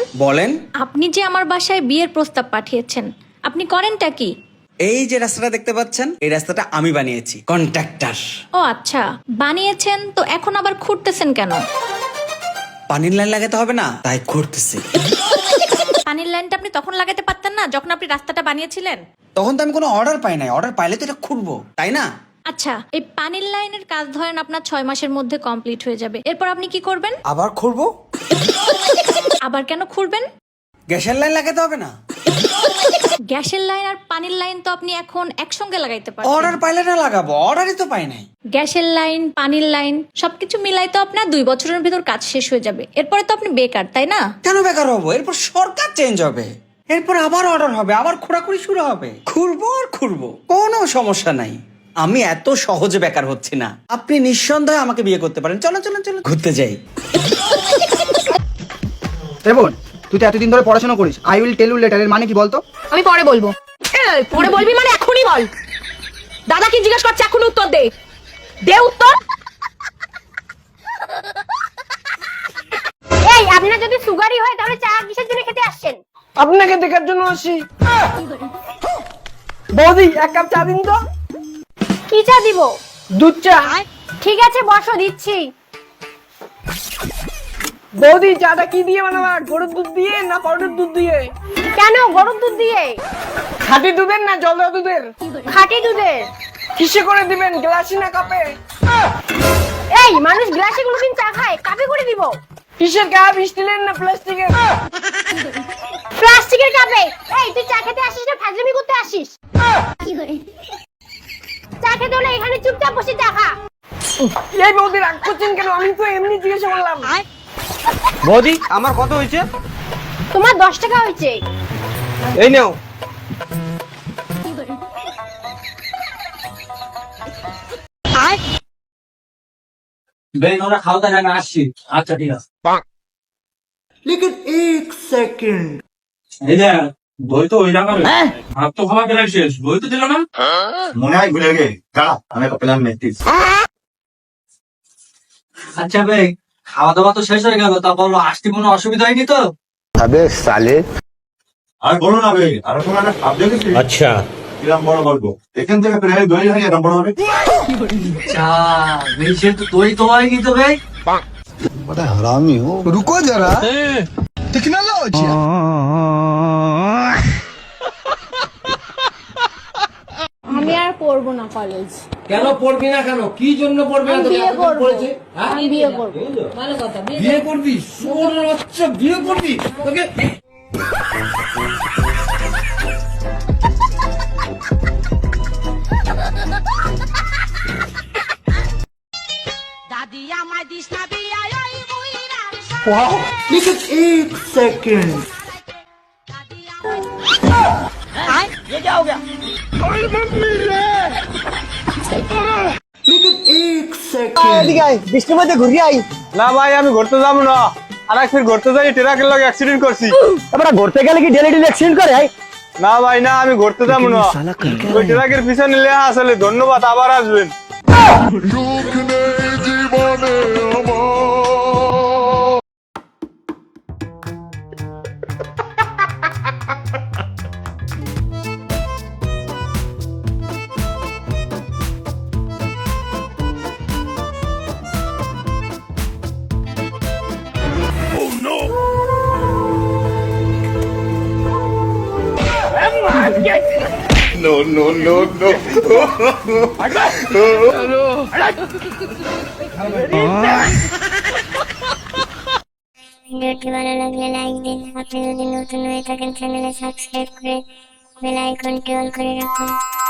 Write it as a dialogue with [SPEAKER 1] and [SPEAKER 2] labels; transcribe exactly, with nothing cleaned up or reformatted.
[SPEAKER 1] বলেন।
[SPEAKER 2] আপনি যে আমার বাসায় বিয়ের প্রস্তাব পাঠিয়েছেন, আপনি করেনটা কি?
[SPEAKER 1] এই যে রাস্তাটা দেখতে পাচ্ছেন, এই রাস্তাটা আমি বানিয়েছি, কন্ট্রাক্টর।
[SPEAKER 2] ও আচ্ছা, বানিয়েছেন তো এখন আবার খুঁড়তেছেন কেন?
[SPEAKER 1] পানির লাইন লাগাতে হবে না, তাই খুঁড়তেছি।
[SPEAKER 2] পানির লাইনটা আপনি তখন লাগাতে পারতেন না যখন আপনি রাস্তাটা বানিয়েছিলেন?
[SPEAKER 1] তখন তো আমি কোনো অর্ডার পাই নাই, অর্ডার পাইলে তো এটা খুঁড়বো, তাই না?
[SPEAKER 2] আচ্ছা, এই পানির লাইনের কাজ ধরেন আপনার ছয় মাসের মধ্যে কমপ্লিট হয়ে যাবে, এরপর আপনি কি করবেন?
[SPEAKER 1] আবার খুঁড়বো।
[SPEAKER 2] আবার কেন খুঁড়বেন?
[SPEAKER 1] গ্যাসের লাইন লাগাতে হবে না?
[SPEAKER 2] গ্যাসের লাইন আর পানির লাইন তো আপনি এখন একসঙ্গে লাগাইতে পারেন।
[SPEAKER 1] অর্ডার পাইলে না লাগাবো, অর্ডারই তো পাই নাই।
[SPEAKER 2] গ্যাসের লাইন, পানির লাইন সবকিছু মিলাই তো আপনার দুই বছরের ভিতর কাজ শেষ হয়ে যাবে, এরপরে তো আপনি বেকার, তাই না?
[SPEAKER 1] কেন বেকার হবো? এরপর সরকার চেঞ্জ হবে, এরপর আবার অর্ডার হবে, আবার খোঁড়াখুড়ি শুরু হবে, খুঁড়বো আর খুঁড়বো, কোনো সমস্যা নাই। আমি এত সহজে বেকার হচ্ছি না। আপনি নিঃসন্দেহে আমাকে বিয়ে করতে পারেন। চলো চলো চলো ঘুরতে যাই।
[SPEAKER 3] বোন, তুই তো এতদিন ধরে পড়াশোনা করিস, I will tell you later এর মানে কি বলতো?
[SPEAKER 4] আমি পরে বলবো। এই, পরে বলবি মানে এখনই বল। দাদা কি জিজ্ঞাসা করছে এখন উত্তর দে। দে উত্তর।
[SPEAKER 5] এই আপনার যদি সুগারই হয় তাহলে চা কিসের জন্য খেতে আসছেন?
[SPEAKER 3] আপনাকে দেখার জন্য আসি। বৌদি, এক কাপ চা দিন তো।
[SPEAKER 5] কি চা দিব?
[SPEAKER 3] দুধ চা।
[SPEAKER 5] ঠিক আছে বসো, দিচ্ছি।
[SPEAKER 3] বৌদি, চাটা কি দিয়ে বানাবা? গরুর দুধ দিয়ে না পাউডার দুধ দিয়ে?
[SPEAKER 5] কেন গরুর দুধ দিয়ে?
[SPEAKER 3] খাঁটি দুধের না জল দেওয়া দুধের?
[SPEAKER 5] খাঁটি দুধের।
[SPEAKER 3] কিসে করে দিবেন, গ্লাসে না কাপে?
[SPEAKER 5] এই মানুষ গ্লাসে কোনোদিন চা খায়? কাপে করে দিব।
[SPEAKER 3] কিসের কাপ, স্টিলের না প্লাস্টিকের?
[SPEAKER 5] প্লাস্টিকের কাপে। এই তুই চা খেতে আসিস না ফাজলামি করতে আসিস? চা খেতে হলে এখানে চুপচাপ বসে চা খা।
[SPEAKER 3] এই বৌদি, রাগ করছেন কেন? আমি তো এমনি জিজ্ঞাসা করলাম। বৌদি, আমার কত হয়েছে?
[SPEAKER 5] তোমার দশ টাকা হয়েছে।
[SPEAKER 3] এই নাও।
[SPEAKER 6] বেশ, আমরা খাওয়া দাওয়া না আসছি। আচ্ছা ঠিক আছে।
[SPEAKER 7] लेकिन एक सेकंड
[SPEAKER 6] এই যে দই তো ওই জায়গায় ভাত তো খাওয়া গেলে শেষ, দই তো দিল না।
[SPEAKER 7] মনে হয় ভুলে গে দাঁড়া আমি পেলাম নেতিস
[SPEAKER 6] আচ্ছা ভাই, খাওয়া দাওয়া তো শেষ হয়ে গেল, তা বলো আসতে কোনো অসুবিধা হয়নি তো?
[SPEAKER 7] अबे साले আর বলো না ভাই, আর তোমার না ভাব দেখেছি। আচ্ছা কিরম বড় গল্প, এখান থেকে প্রায় দই হয়ে এরকম বড় হবে।
[SPEAKER 6] চা বেশি তো দই তো হয় কি তো ভাই?
[SPEAKER 7] बड़ा हरामी हो। रुको जरा टेक्नोलॉजी
[SPEAKER 5] আমি আর পড়বো না কলেজ।
[SPEAKER 8] কেন পড়বি না? কেন কি জন্য পড়বি না? তোকে
[SPEAKER 5] বিয়ে
[SPEAKER 8] এতদিন
[SPEAKER 5] করবো।
[SPEAKER 8] পড়েছে, হ্যাঁ?
[SPEAKER 5] আমি বিয়ে করবো।
[SPEAKER 8] বিয়ে করবি? শোন আচ্ছা, বিয়ে করবি তোকে।
[SPEAKER 4] দাদি আমায় দিস না বিয়া ওই বুইরার
[SPEAKER 7] वाओ लेकिन एक सेकंड लेकिन एक सेकंड
[SPEAKER 3] বৃষ্টির মধ্যে ঘুরে আই না ভাই, আমি ঘুরতে যাবো না। আর একবার ঘুরতে যাই ট্রাকের লগে অ্যাক্সিডেন্ট করছি। আমরা ঘুরতে গেলে কি ডেলি ডেলি অ্যাক্সিডেন্ট করে? না ভাই না, আমি ঘুরতে যাবো না। ওই ট্রাকের পিছনে নিলে আসলে ধন্যবাদ, আবার আসবেন।
[SPEAKER 7] no no no no
[SPEAKER 9] ভিডিওটি ভালো লাগলে লাইক দিন। আপনি যদি নতুন হয়ে থাকেন চ্যানেলে সাবস্ক্রাইব করে বেল আইকনটি অন করে রাখুন।